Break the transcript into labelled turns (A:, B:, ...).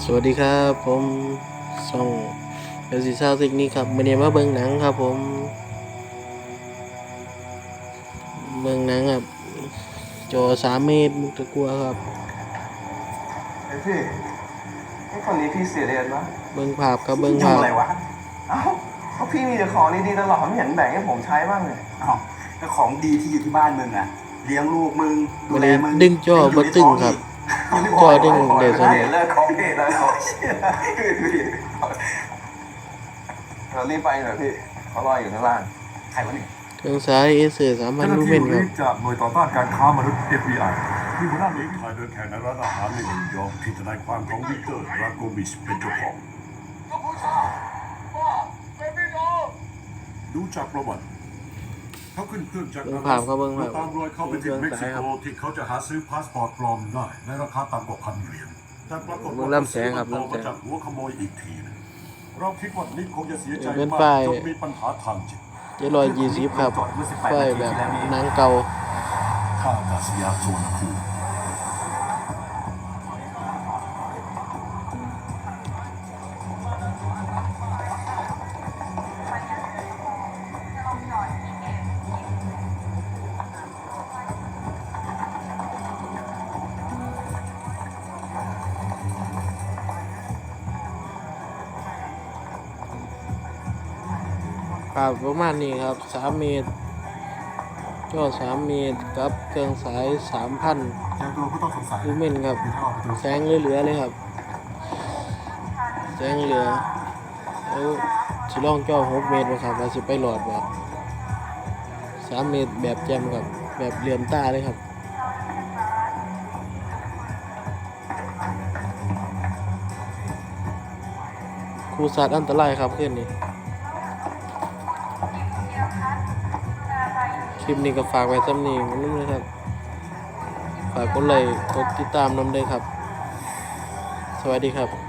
A: สวัสดีครับผมส่องเอลซีซาวซิกนี่ครับมื่อนี้มาเบิ่งหนังครับผมเบิ่งหนังครับจอ3 เมตรมุกตะกัวครับ
B: ไอ้พี่ไอ้คนนี้พี่เสียเรียนปะ
A: เบิ่งภาพครับเบิ่งภาพ
B: ทำอะไรวะเอ้าเพราะพี่มีแต่ของดีๆตลอดไม่เห็นแบ่งให้ผมใช้บ้างเลย
C: อ้าวก็ของดีที่อยู่ที่บ้านมึงอ่ะเลี้ยงลูกมึงดู
A: วัน
C: แล
A: นี้
C: มึง
A: ดึงจอบ่ตึงครับจอดึงเดี๋ยว
B: ใช่
A: นี้
B: เลิกของพี่แล้วเรารีบไปหน่อยพี่เขารออยู่ข้างล่าง
C: ใครวะเนี่ย
A: เครื่องสายเอเซอร์3,000 ลูเมนครับ
D: จากหน่วยต่อต้านการค้ามนุษย์ FBI ที่หัวหน้าหน่วยถ่ายเดินแข่งในร้านอาหารในนิวยอร์กที่ทนายความของวิกเตอร์ราโกบิชเป็นเจ้าของดูจากประวัติเขาขึ้นเครื่องจาก
A: เบิ่งภาพครับเบิ่งภาพ
D: ตามรอยเขาไปถึงเม็กซิโกที่เขาจะหาซื้อพาสปอร์ตปลอมได้ในราคาต่ำกว่า$1,000แต่ปรากฏ
A: เบิ่ง
D: ว่า
A: ลำแสงครับ
D: มัน
A: ลำแสง
D: มาจากหัวขโมยอีกทีหนึงเราคิดว่านิกคงจะเสียใจ
A: เป็น
D: มาก
A: ไฟ
D: จนมีปัญหาทางจิต
A: 720ครับไฟแบบหนังเก่า
D: ท่าอากาศยานสุวรรณภูมิ
A: ครับประมาณนี้ครับ3 เมตรจอ3 เมตรกับเครื่องสาย 3,000
D: เจอตัวผู้ต้องสงสัย
A: ลูเมนครับ
D: ที่ท่าประตู
A: แสงเหลือๆเลยครับแสงเหลือแล้วสิลองจอ6 เมตรบ่ครับว่าสิไปหลอดบ่3 เมตรแบบแจ่มครับแบบเหลื่อมตาเลยครับครูสัตว์อันตรายครับขึ้นนี่คลิปนี้ก็ฝากไว้ซ้ำนี้นั่นเลยครับฝากกดไลค์กดติดตามนำด้วยครับสวัสดีครับ